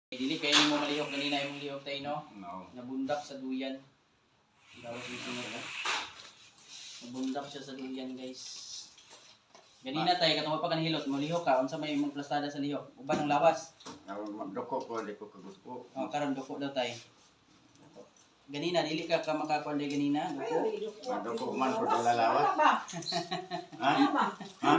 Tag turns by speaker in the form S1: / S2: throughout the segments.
S1: Dili kayo mo malihok ganina imong lihok tayo no.
S2: No.
S1: Nabundak sa duyan. Dapat dito na. Nabundak siya sa duyan, guys. Ganina tayo katong pa kanhilot mo lihok ka unsa may imong plastada sa lihok. Uban ang lawas.
S2: Magdoko ko di ko kagusto.
S1: Oh, karon doko daw tayo. Ganina dili ka makakuan day ganina. Doko.
S2: Magdoko man ko lalawas. Ha? Ha?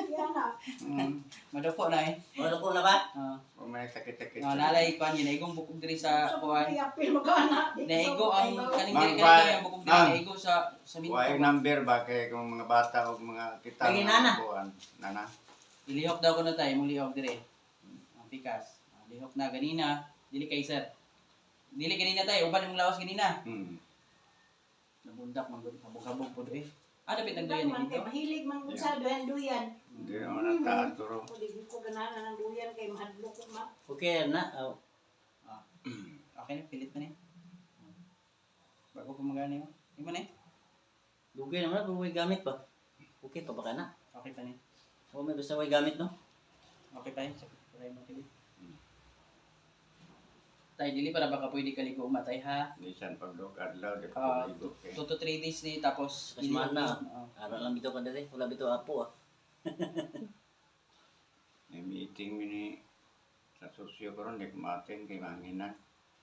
S1: Madoko na eh.
S3: Madoko na ba?
S2: O may sakit-sakit.
S1: Nalay kuan yun, naigong bukog diri sa kuan. Naigo ang kaning
S2: Mang-
S1: diri kaning bukog diri
S2: Mang-
S1: naigo sa minto.
S2: Why number ba kay kung mga bata o mga kita
S3: Kay nana.
S2: Nana.
S1: Ilihok daw ko na tayo, mong lihok dire. Ang pikas. Lihok na ganina, dili kay sir. Dili ganina tayo, uban imong lawas ganina. Nabundak man gud, habog-habog pud eh. Dapit nagduyan ni dito.
S4: Mahilig man gud sa duyan.
S2: Hindi naman nataas turo.
S4: Hindi ko ganahan ng duyan kay mahadlok ko ma.
S3: Okay na.
S1: Okay na, pilit na ni. Bago ko magana yun. Yung man eh.
S3: Dugay naman kung may gamit pa. Okay pa ba ka na?
S1: Okay pa ni.
S3: O may gusto may gamit no?
S1: Okay pa yun. Try mo pilit. Tay, dili para baka pwede kaligo matay ha.
S2: Nisan pagdok adlaw di
S1: Ah,
S2: ko ligo kay.
S1: 2 to 3 days ni tapos
S3: Mas mahal na.
S1: Oo.
S3: Ara lang bitaw ka dali. Wala bitaw apo ah.
S2: May meeting mini sa sosyo ko ron di kumatin kay manginan.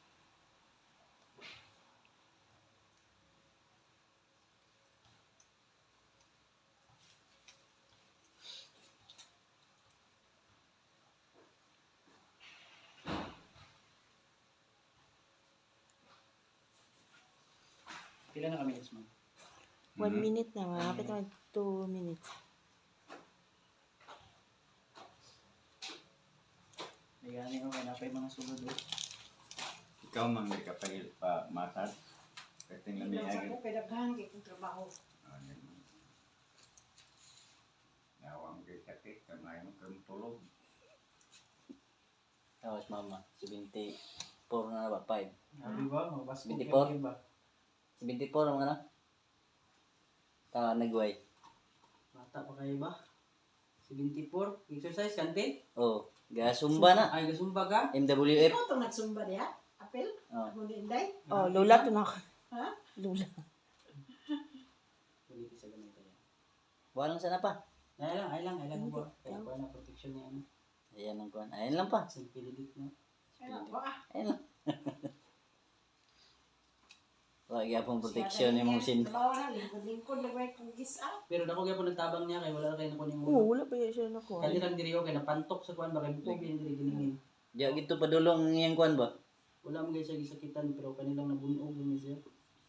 S1: Pila na kami next month?
S5: 1 minute na, malapit naman 2 minutes.
S1: Nagani ko, kaya pa yung mga sulod eh.
S2: Ikaw man di ka pa matad. Kasi
S4: Hindi
S2: lami
S4: lang sa
S2: agad.
S4: ko kay daghan kay kong trabaho.
S2: Nawang kay sakit kamay mo kang tulog.
S3: Tapos mama, 74 na ba? 5.
S1: Sabi ba? Magbasco
S3: 24?
S1: kayo ba?
S3: 74 ang ano? Nagway.
S1: Bata pa kayo ba? 74? Exercise kantin?
S3: Oh, gasumba na.
S1: Ay, gasumba ka?
S3: MWF.
S4: Ikaw tong nagsumba diha? Apel?
S3: Oh.
S4: Ako ni Inday?
S5: Oh, lula to na ako.
S4: Ha?
S5: Lula.
S1: Kulit sa ganito yan.
S3: Walang sana pa.
S1: Ay lang ba? Kaya pa na protection niya ano?
S3: Ayan ang kuhan. Ayan lang pa.
S1: Simpilit no?
S4: Ano ba?
S3: Ayan lang. Wag yapong protection yung mga sin.
S4: Trabaho na lingkod-lingkod lagay kong gisa.
S1: Pero dako gyapon nagtabang niya kay wala kayo nakuha yung
S5: Oo, wala pa yun siya nakuha.
S1: Kali lang diri okay napantok sa kuan ba kay bukog yung diri giningin.
S3: Diya gito padulong yung kuhan ba?
S1: Wala man guys sa gisakitan pero kanilang nabunog yun siya.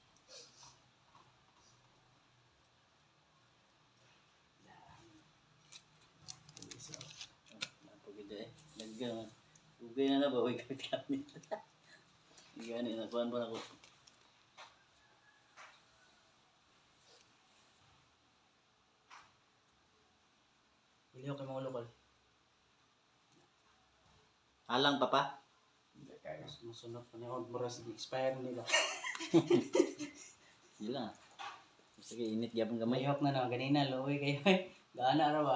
S3: Napagod eh. Naggan. Ugay na na ba? Huwag gamit. Gani na kuhan pa na ko.
S1: Iliho kay mga lokal.
S3: Alang pa pa.
S2: Hindi kaya.
S1: Masunod pa niya mura sa expire nila.
S3: Sila. Sige, init gyapon gamay.
S1: Mayok na na ganina loy kayo. Gaana ra ba?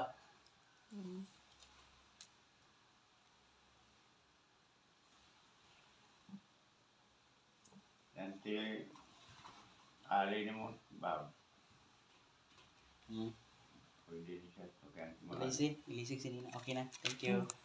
S2: Yan ti ali ni mo ba.
S3: Hmm.
S2: Pwede siya to kan.
S1: Ilisig sinina. Okay na. Thank you.